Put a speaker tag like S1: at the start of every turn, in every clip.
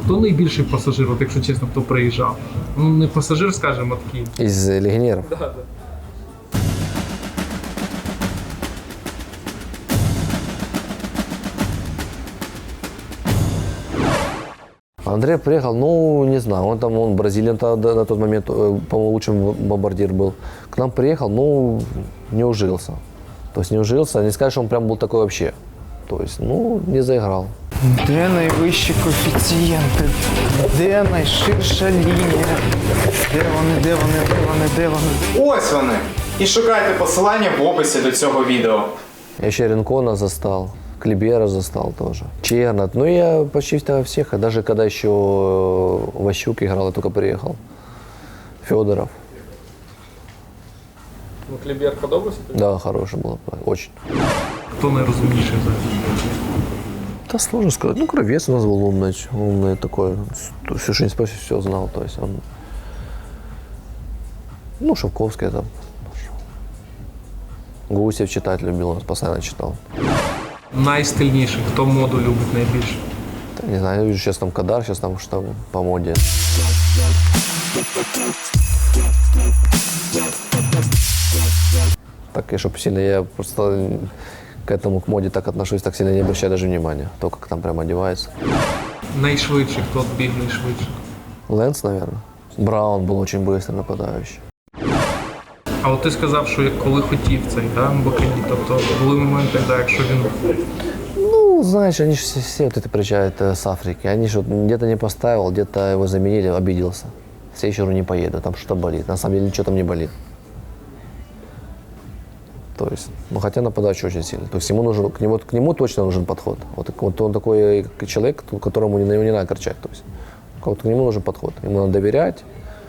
S1: Хто найбільший пасажир, от якщо чесно, хто приїжджав? Ну, не пасажир, скажімо, а такий.
S2: Из легионеров?
S1: Да.
S2: Андрей приехал, ну, не знаю, он бразилиан на тот момент, по-моему, лучший бомбардир был. К нам приехал, ну, не ужился. То есть не ужился, не сказать, что он прям был такой вообще. То есть, ну, не заиграл.
S3: Де найвищі коефіцієнти? Де найширша лінія? Де вони?
S4: Ось вони! І шукайте посилання в описі до цього відео.
S2: Я еще Ренкона застал, Клибера застал тоже. Чернат. Ну, я почти всех, даже когда еще Ващук играл, я только приехал. Федоров.
S1: Ну, Клібер подобався?
S2: Да, хороший был, очень.
S1: Хто найрозумніший взагалі?
S2: Да сложно сказать. Ну, Кравец у нас был умный такой. Все, что не спросишь, все знал. То есть он... Ну, Шовковский там. Гусев читать любил, он постоянно читал.
S1: Найстильніший, хто моду любить найбільше?
S2: Да, не знаю, я вижу, сейчас там Кадар, сейчас там что по моде. Так, и чтобы сильно я просто к этому, к моде так отношусь, так сильно не обращаю даже внимания. То, как там прям одевается.
S1: Найшвидший, хто біг найшвидше?
S2: Лэнс, наверное. Браун был очень быстрый нападающий.
S1: А от ти сказав, що коли хотів цей, да, Мбакані, тобто були моменти, да, якщо він...
S2: Ну, знаешь, они же все вот это приезжают с Африки. Они же вот где-то не поставил, где-то его заменили, обиделся. В следующий раз не поеду, там что-то болит. На самом деле ничего там не болит. То есть, ну хотя нападающий очень сильный. То есть ему нужен, к нему точно нужен подход. Вот он такой человек, которому его не надо кричать. То есть, вот к нему нужен подход. Ему надо доверять,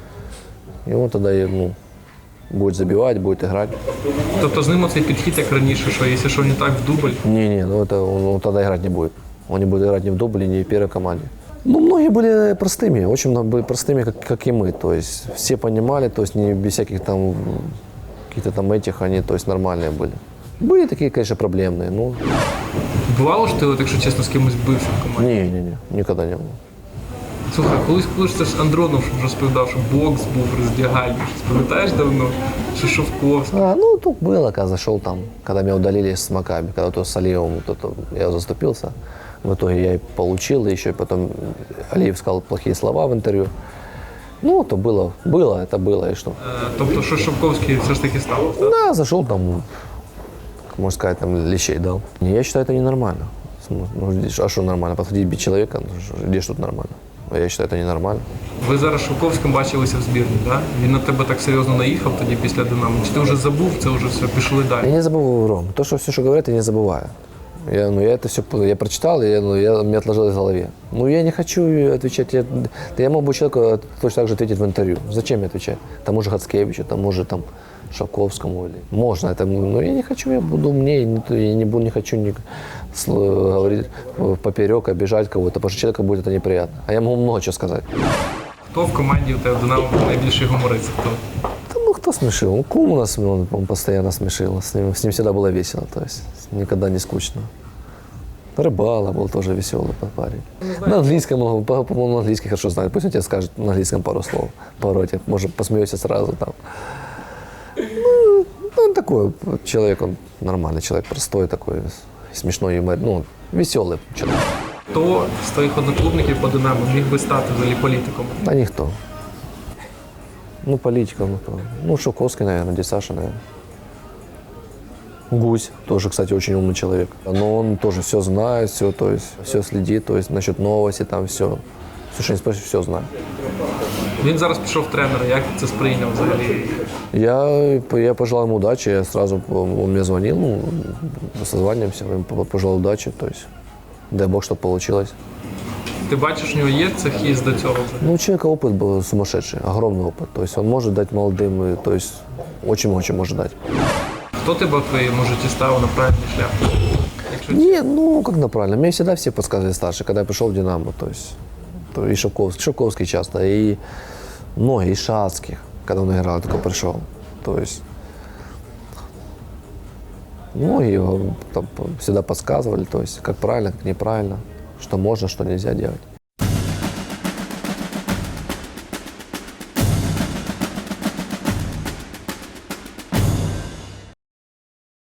S2: и он тогда ну, будет забивать, будет играть.
S1: Тобто з ним оцей підхід, як раніше, що якщо що не так в дубль,
S2: Не, ну это он тогда играть не будет. Он не будет играть ни в дубле, ни в первой команде. Ну, многие были простыми, очень много были простыми, как и мы. То есть все понимали, то есть не без всяких там каких-то там этих, они, то есть нормальные были. Были такие, конечно, проблемные, ну.
S1: бувало ж ти, от, якщо чесно, з кимось бився в команді?
S2: Не, никогда не было.
S1: Слухай, колись це ж Андронов розповідав, що бокс був роздягальний. Пам'ятаєш давно? Що Шовковський.
S2: Ну, тут было, когда зашел там, когда меня удалили с Макаби, когда то с Алиевым, я заступился. В итоге я и получил, и еще и потом Алиев сказал плохие слова в интервью. Ну, то это было, и что.
S1: Тобто, що Шовковський все ж таки став? Так?
S2: Да, зашел там, можно сказать, там лещей дал. Я считаю, это ненормально. Ну, а что нормально? Подходить бить человека, где ж тут нормально? Я считаю, это ненормально.
S1: Ви зараз з Шовковським бачилися в збірні, так? Да? Він на тебе так серйозно наїхав тоді після «Динамо». Чи ти вже забув, це вже все, пішли далі?
S2: Я не забываю, Ром. То, что все, что говорят, я не забываю. Я это все я прочитал, мне отложилось в голове. Ну, я не хочу отвечать. Я мог бы человеку точно так же ответить в интервью. Зачем мне отвечать? Тому же Хацкевичу, тому же там Шовковскому. Можно это, но я не хочу, я буду умнее, я не хочу говорить поперек, обижать кого-то, потому что человеку будет это неприятно. А я могу много чего сказать.
S1: Хто в команді у тебе в «Динамо» найбільший гуморист? Хто?
S2: Ну, кто смешил? Ну, Кум у нас, он постоянно смешил. С ним всегда было весело, то есть никогда не скучно. Рыбала был тоже веселый парень. На английском, по-моему, на английский хорошо знает. Пусть он тебе скажет на английском пару слов, пару этих, может, посмеешься сразу там. Ну, он такой человек, он нормальный человек, простой такой, смешной юмор, ну, веселый человек.
S1: Хто з твоїх одноклубників по «Динамо» міг би стати взагалі політиком?
S2: Да никто. Ну, политиков, ну, кто? Ну, Шовковский, наверное, дядя Саша, наверное. Гусь, тоже, кстати, очень умный человек. Но он тоже все знает, все, то есть, все следит, то есть, насчет новости, там все. Все, что не спросишь, все знает.
S1: Він зараз пішов в тренера, як ти це сприйняв взагалі?
S2: Я пожелал ему удачи, я сразу, он мне звонил, ну, созваниваемся, я ему пожелал удачи, то есть, дай бог, чтобы получилось.
S1: Ти бачиш, у нього є це хист до цього?
S2: Ну, у человека опыт был сумасшедший, огромный опыт, то есть, он может дать молодым, то есть, очень может дать.
S1: Хто тебе в твоєму житті ставив на правильний шлях?
S2: Нет, ну, как на правильно. Мне всегда все подсказывали старшие, когда я пришел в «Динамо», то есть, и Шовковский часто, и многие, и Шацких, когда он играл, я только пришел, то есть, многие там всегда подсказывали, то есть, как правильно, как неправильно, что можно, что нельзя делать.